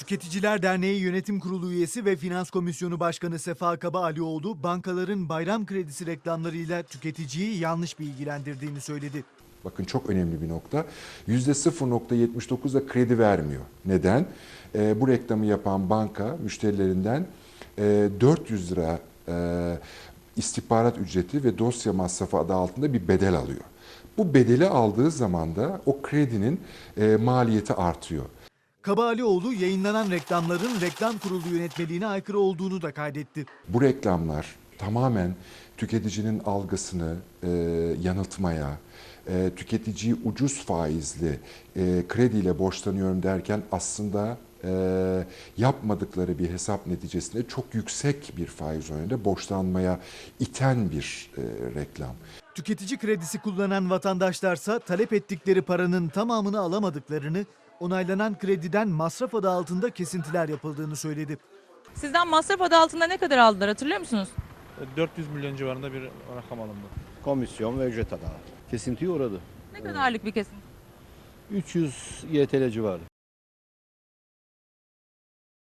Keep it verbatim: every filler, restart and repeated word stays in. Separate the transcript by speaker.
Speaker 1: Tüketiciler Derneği Yönetim Kurulu üyesi ve Finans Komisyonu Başkanı Sefa Kaba Alioğlu, bankaların bayram kredisi reklamlarıyla tüketiciyi yanlış bilgilendirdiğini söyledi.
Speaker 2: Bakın çok önemli bir nokta. yüzde sıfır nokta yetmiş dokuzda kredi vermiyor. Neden? E, bu reklamı yapan banka müşterilerinden e, dört yüz lira e, istihbarat ücreti ve dosya masrafı adı altında bir bedel alıyor. Bu bedeli aldığı zaman da o kredinin e, maliyeti artıyor.
Speaker 1: Kaba Alioğlu yayınlanan reklamların reklam kurulu yönetmeliğine aykırı olduğunu da kaydetti.
Speaker 2: Bu reklamlar tamamen tüketicinin algısını e, yanıltmaya, e, tüketiciyi ucuz faizli e, krediyle borçlanıyorum derken aslında e, yapmadıkları bir hesap neticesinde çok yüksek bir faiz oranında borçlanmaya iten bir e, reklam.
Speaker 1: Tüketici kredisi kullanan vatandaşlarsa talep ettikleri paranın tamamını alamadıklarını, onaylanan krediden masraf adı altında kesintiler yapıldığını söyledi.
Speaker 3: Sizden masraf adı altında ne kadar aldılar hatırlıyor musunuz?
Speaker 4: dört yüz milyon civarında bir rakam alındı.
Speaker 5: Komisyon ve ücret adağı. Kesintiye uğradı.
Speaker 3: Ne kadarlık bir kesim?
Speaker 5: üç yüz Y T L civarı.